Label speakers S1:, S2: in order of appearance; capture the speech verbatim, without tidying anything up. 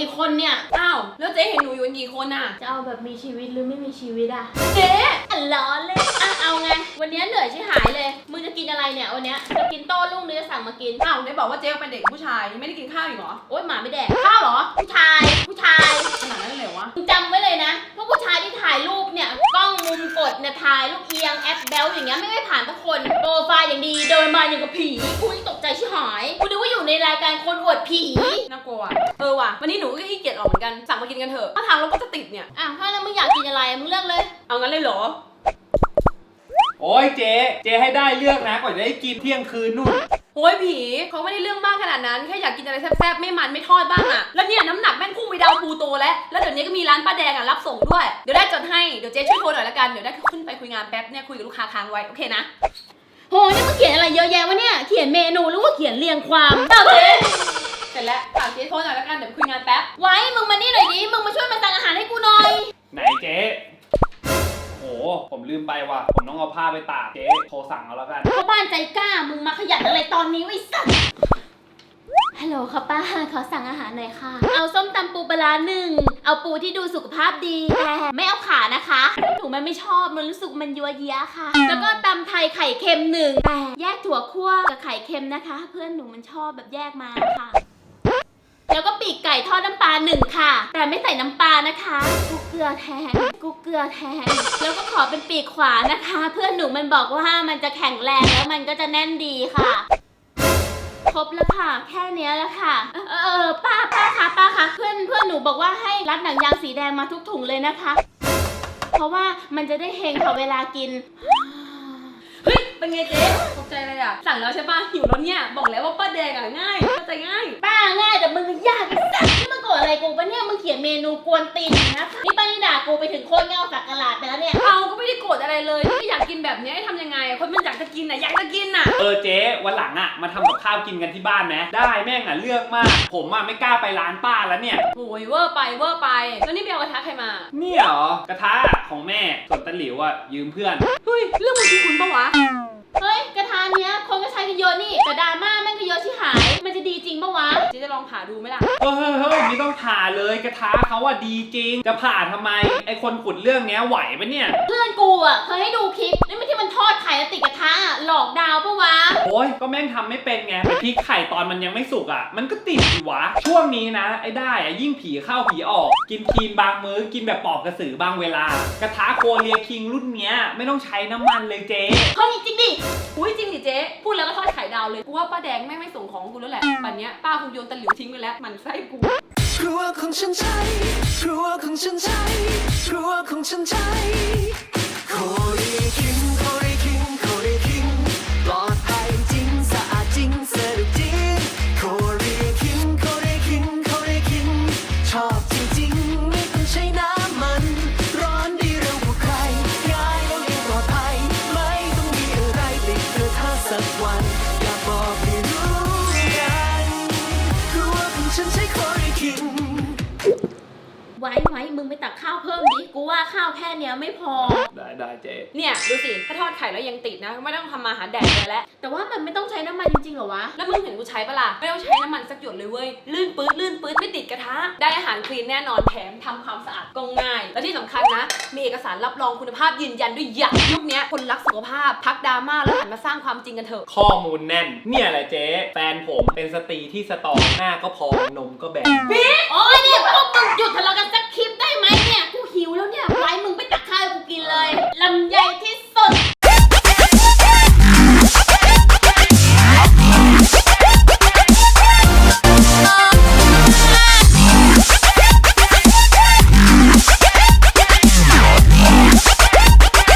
S1: กี่คนเนี่ย
S2: อ้าวแล้วเจ๊เห็นหนูอยู่กันกี่คนอ่ะ
S1: จะเอาแบบมีชีวิตหรือไม่มีชีวิตอะ
S2: เจ๊
S1: อันล้อเลยอ่ะเอาไงวันนี้เหนื่อยชิบหายเลยมึงจะกินอะไรเนี่ยวันนี้จะกินโต้รุ่งหรือจะสั่งมากิน
S2: อ้าวไหนบอกว่าเจ๊เป็นเด็กผู้ชายยังไม่ได้กินข้าวอีกเหรอ
S1: โอ๊ยหมาไม่แดก
S2: ข้าวเหรอ
S1: ผู้ชายผู้ชาย
S2: ขนาดนั้นเลยเหรอวะ
S1: มึงจำไว้เลยนะพวกผู้ชายที่ถ่ายรูปเนี่ยกล้องมุมกดเนี่ยถ่ายรูปเอียงแอปแบลอย่างเงี้ยไม่ไม่ผ่านทุกคนโปรไฟล์อย่างดีเดินมาอย่างกับผีกูตกใจชิบหายกูนึกว่าอยู่ในรายการคนอวดผี
S2: น่ากลัวว่ะเออว่ะวันนี้หนูก็ขี้เกียจออกเหมือนกันสั่งมากินกันเถอะถ้าทางเราก็จะติดเนี่ย
S1: อ่ะถ้าแล้วมึงอยากกินอะไรมึงเลือกเลย
S2: เอางั้นเลยเหรอ
S3: โอ้ยเจ๊เจ๊ให้ได้เลือกนะกว่าจะได้กินเที่ยงคืนนู่น
S2: โอ้ยผีเขาไม่ได้เรื่องมากขนาดนั้นแค่อยากกินอะไรแซ่บๆไม่มันไม่ทอดบ้างอะแล้วเนี่ยน้ำหนักแม่งพุ่งไปดาวปูโตแล้วแล้วเดี๋ยวนี้ก็มีร้านป้าแดงอะรับส่งด้วยเดี๋ยวได้จดให้เดี๋ยวเจ๊ช่วยโทรหน่อยละกันเดี๋ยวได้ขึ้นไปคุยงานแป๊บเนี่ยคุยกับลูกค้าค้างไว้โอเคนะ
S1: โหนี่มึงเขียนอะไรเยอะแยะวะเนี่ยเขียนเมนูหรือว่าเขียนเรียงความ
S2: เจ้าเจ๊เสร็จแล้วฝากเจ๊โทรหน่อยละกันเดี๋ยวคุยงานแป๊บ
S1: ไว้มึงมานี่หน่อยดิมึงมาช่วยมาสั่งอาหารให้กูหน่อย
S3: ไหนเจ๊โอ้ผมลืมไปว่ะผมต้องเอาผ้าไปตากเจ๊โทรสั่งเอาแล้วกัน
S1: พ่อบ้านใจกล้ามึงมาขยันอะไรตอนนี้ไว้สั่งฮัลโหลค่ะป้าขอสั่งอาหารหน่อยค่ะเอาส้มตำปูปลาร้าหนึ่งเอาปูที่ดูสุขภาพดีแต่ไม่เอาขานะคะหนูมันไม่ชอบมันรู้สึกมันยัวเยี้ยค่ะแล้วก็ตำไทยไข่เค็มหนึ่งแต่แยกถั่วคั่วกับไข่เค็มนะคะเพื่อนหนูมันชอบแบบแยกมาค่ะแล้วก็ปีกไก่ทอดน้ำปลาหนึ่งค่ะแต่ไม่ใส่น้ำปลานะคะกูเกลือแทนกูเกลือแทนแล้วก็ขอเป็นปีกขวานะคะเพื่อนหนูมันบอกว่ามันจะแข็งแรงแล้วมันก็จะแน่นดีค่ะครบแล้วค่ะแค่นี้แล้วค่ะเออเออป้าป้าคะป้าคะเพื่อนเพื่อนหนูบอกว่าให้รัดหนังยางสีแดงมาทุกถุงเลยนะคะเพราะว่ามันจะได้เฮงค่ะเวลากิน
S2: เฮ้ยเป็นไงเจ๊ตกใจเลยอ่ะสั่งแล้วใช่ป่ะหิวแล้วเนี่ยบอกแล้วว่าป้าแดงอ่ะง่ายเข้าใจง่าย
S1: ป้าง่ายแต่มึงยากไอ้สัสนี่มึงโกรธอะไรกูปะเนี่ยมึงเขียนเมนูกวนตีนนะนี่ป้านี่ด่ากูไปถึงโคตรเงาสักกะหลาดไปแล้วเนี่ย
S2: เอาก็ไม่ได้โกรธอะไรเลยที่อยากกินแบบนี้ให้ทำยังไงคนมันอยากจะกินอ่ะอยากจะกินอ่ะ
S3: เออเจ๊วันหลังอ่ะมาทำกับข้าวกินกันที่บ้านไหมได้แม่งอ่ะเลือกมากผมอ่ะไม่กล้าไปร้านป้าแล้วเนี่ย
S2: โอ้ยเวอร์ไปเวอร์ไปแล้วนี่ไปเอากระทะใครมา
S3: เนี่ยเหรอกระทะของแม่ส่วนตะหลิวอ่ะยืมเพื่อน
S2: เฮ้ยเรื่องมันคือคุณปะวะ
S1: เฮ้ยกระทะเนี้ยคนก็ใช้กันเยอะนี่แต่ดราม่าแม่งก็เยอะที่หายมันจะดีจริงปะวะ
S2: เจ๊จะลองผ่าดูไหมล่ะ
S3: เฮ้ยเฮ้ยไม่ต้องผ่าเลยกระทะเขาอ่ะดีจริงจะผ่าทำไมไอคนขุดเรื่องเนี้ยไหวปะเนี่ย
S1: เพื่อนกูอ่ะเคยให้ดูคลิปนี่ไม่ที่มันทอดไข่แล้วติดกระทะหลอกดาวปะวะ
S3: โอ้ยก็แม่งทำไม่เป็นไงไปพลิกไข่ตอนมันยังไม่สุกอ่ะมันก็ติดอยู่วะช่วงนี้นะไอ้ได้อ่ะยิ่งผีเข้าผีออกกินคลีนบางมื้อกินแบบปอกกระสือบางเวลากระทะโคเรียคิงรุ่นเนี้ยไม่ต้องใช้น้ำมันเลยเจ๊
S1: เฮ้ยจริงดิ
S2: อุ้ยจริงดิเจ๊พูดแล้วก็ทอดไข่ดาวเลยกูว่าป้าแดงแม่งไม่ส่งของกูแล้วแหละปันเนี้ยป้าคงโยนตะหลิวทิ้งไปแล้วมันไส้กู
S4: ครัวของฉันใช้ครัวของฉันใช้ครัวของฉันใช้โคเรียคิงโคเรียคิงโคเรียคิงปลอดภัยจริงสะอาดจริงสะดวกจริงโคเรียคิงโคเรียคิงโคเรียคิงชอบจริงๆไม่ต้องใช้น้ำมันร้อนดีเร็วกว่าใครง่ายแล้วยังปลอดภัยไม่ต้องมีอะไรติดกระทะสักวันอยากบอกให้รู้กันครัวของฉันใช้โคเรียคิง
S1: ไว้ไว้มึงไปตักข้าวเพิ่มดิกูว่าข้าวแค่เนี้ยไม่พอ
S3: ได้ได้เจ๊
S2: เนี่ยดูสิถ้าทอดไข่แล้วยังติดนะไม่ต้องทำมาหาแดกเลยแล้ว
S1: แต่ว่ามันไม่ต้องใช้น้ำมันจริงๆหรอวะ
S2: แล้วมึงเห็นกูใช้ปะล่ะไม่ต้องใช้น้ำมันสักหยดเลยเว้ยลื่นปื๊ดลื่นปื๊ดไม่ติดกระทะได้อาหารคลีนแน่นอนแถมทำความสะอาดก็ง่ายและที่สำคัญนะมีเอกสารรับรองคุณภาพยืนยันด้วยอย่างยุคนี้คนรักสุขภาพพักดราม่าแล้วหันมาสร้างความจริงกันเถอะ
S3: ข้อมูลแน่นเนี่ยแหละเจ๊แฟนผมเป็นสตรีที่สตรองหน้าก็พองนมก็แบน
S2: พี่